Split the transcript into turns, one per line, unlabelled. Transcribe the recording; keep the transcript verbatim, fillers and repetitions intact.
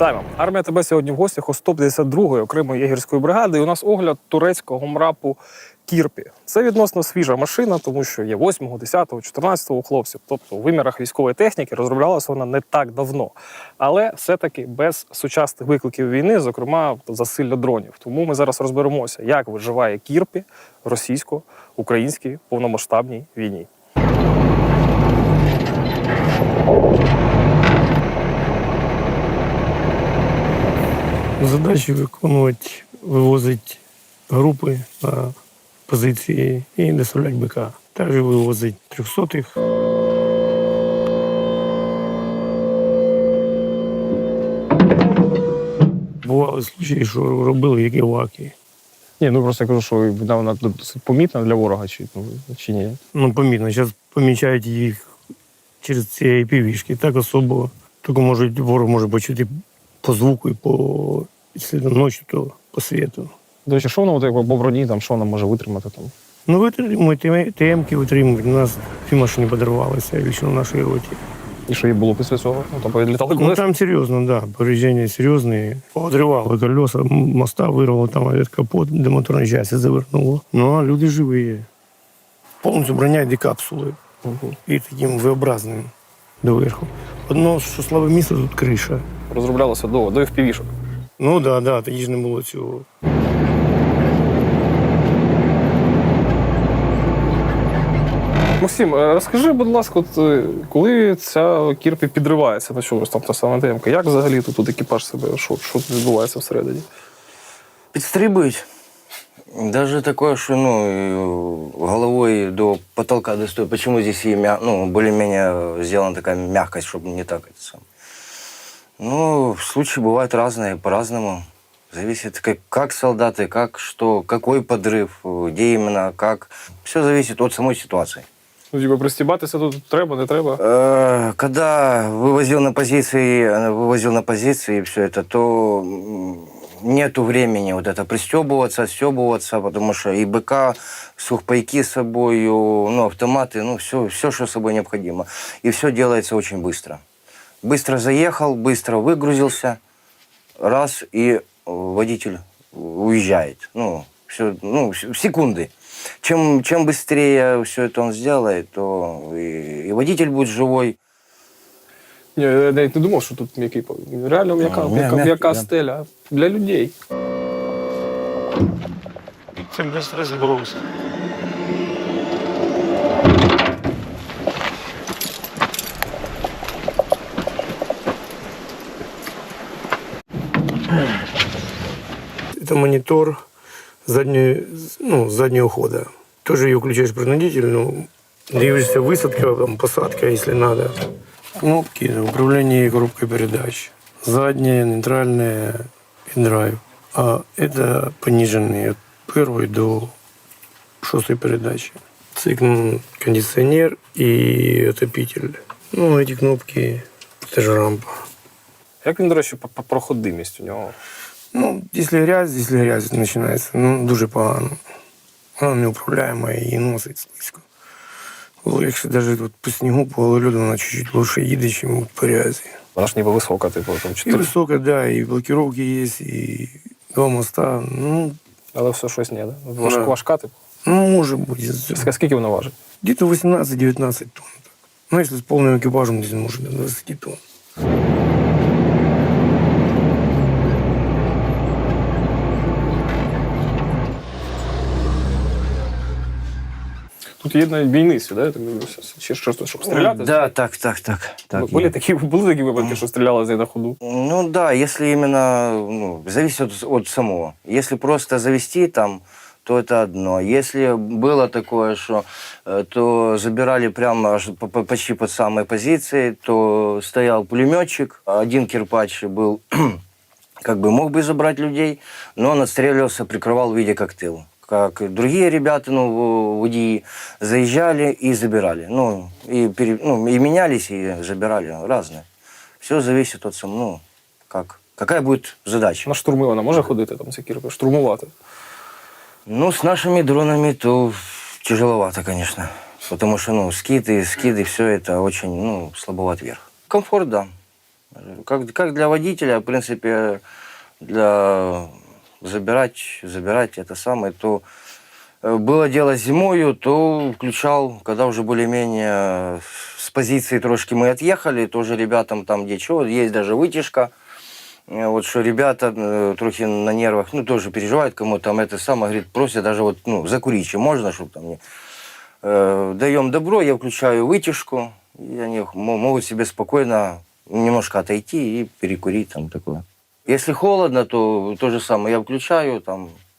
Вітаємо! Армія ТБ сьогодні в гостях у сто п'ятдесят другої окремої єгерської бригади. І у нас огляд турецького МРАПу «Кірпі». Це відносно свіжа машина, тому що є восьмого, десятого, чотирнадцятого у хлопців. Тобто у вимірах військової техніки розроблялася вона не так давно. Але все-таки без сучасних викликів війни, зокрема засилля дронів. Тому ми зараз розберемося, як виживає «Кірпі» в російсько-українській повномасштабній війні.
Задачі виконувати, вивозити групи на позиції і доставляти БК. Також вивозити трьохсотих. Бували случаї, що робили як іваки.
Ні, ну просто я кажу, що вона досить помітна для ворога, чи, чи ні?
Ну, помітно. Зараз помічають їх через ці ай пі ві-шки. Так особо. Тільки можуть, ворог може почути по звуку і по... Якщо ночі, то по світу.
До речі, що воно от, по броні, там, що воно може витримати? Там?
Ну, витримують, ТМ-ки витримують. У нас дві машини подарувалися лично в нашій роті.
І що їй було після цього? Ну, там повідлітали колеса?
Ну, там серйозно, так. Да. Повреждення серйозні. Подривало колеса, моста вирвало, там капот, де моторна частина завернуло. Ну, а люди живі. Повністю броня йде капсули. Угу. І таким V-образним доверху. Одно, що слабе місце, тут криша.
Розроблялося до, до еф пі ві-шок.
Ну так, да, да, тоді ж не було цього.
Максим, розкажи, будь ласка, от, коли ця «Кірпі» підривається на чомусь, там та сама темка, як взагалі тут екіпаж себе, що, що відбувається всередині?
Підстрибують. Даже такое, что ну, головой до потолка достаю. Почему здесь и мя... ну, более-менее сделана такая мягкость, чтобы не так это сам. Ну, случаи бывают разные, по-разному. Зависит, как, как солдаты, как что, какой подрыв, где именно, как. Все зависит от самой ситуации.
Ну, типа, пристібатися тут треба, не треба?
Э, когда вывозил на позиции, вывозил на позиции все это, то нету времени вот это пристебываться, отстебываться, потому что и БК, сухпайки с собой, ну, автоматы, ну, все, все, что с собой необходимо. И все делается очень быстро. Быстро заехал, быстро выгрузился, раз, и водитель уезжает. Ну, все, ну, в секунды. Чем, чем быстрее все это он сделает, то и, и водитель будет живой.
Ні, я навіть не думав, що тут м'який. Реально м'яка, м'яка, м'яка стеля для людей.
Це без розброс. Это монитор заднего, ну, заднего хода. Тоже ее включаешь принудительно. Движешься высадка, там, посадка, если надо. Кнопки управления коробкой передач. Задняя, нейтральная и драйв. А это пониженные от первой до шестой передачи. Цикл кондиционер и отопитель. Ну, эти кнопки, это же рампа.
Як він, до речі, по проходимість у нього?
Ну, якщо грязь, якщо грязь починається, ну, дуже погано. Вона неуправляема і носить слизько. Якщо навіть от по снігу, по льоду, вона чуть-чуть лучше їде, ніж по грязі.
Вона ж ніби висока, типу, там чотири.
І висока, так, да, і блокировки є, і два моста, ну...
Але все щось не, да? Важ,
Да.
Важка, типу?
Ну, може бути.
Скільки вона важить?
Где-то вісімнадцять-дев'ятнадцять тонн. Ну, якщо з повним екіпажем, десь може до двадцять тонн.
Тут є навіть бійниці, да, я так дивлюся? Чи щось, щоб стріляти?
Да, так, так, так. так
Були
есть.
такі, були такі випадки, що стріляли з неї на ходу?
Ну да, если именно, ну, зависит от, от самого. Если просто завести там, то это одно. Если было такое, что э, то забирали прямо аж по- по- почти под самой позиции, то стоял пулеметчик, один кирпач был, как бы мог бы забрать людей, но он отстреливался, прикрывал в виде как тыл. Как другие ребята, ну, водии, заезжали и забирали. Ну, и, пере, ну, и менялись, и забирали. Разные. Все зависит от самого, ну, как, какая будет задача.
На штурми вона може ходити, там, ця «Кірпі», штурмувати?
Ну, с нашими дронами то тяжеловато, конечно. Потому что, ну, скиды, скиды, все это очень, ну, слабоват вверх. Комфорт, да. Как, как для водителя, в принципе, для забирать, забирать это самое, то э, было дело зимою, то включал, когда уже более-менее с позиции трошки мы отъехали, тоже ребятам там где что, есть даже вытяжка. Э, Вот что ребята э, трохи на нервах, ну, тоже переживают, кому там это самое, говорит, просят даже вот, ну, закурить, чем можно, чтобы там не... Э, даем добро, я включаю вытяжку, и они мо- могут себе спокойно немножко отойти и перекурить там такое. Если холодно, то то же самое, я включаю, там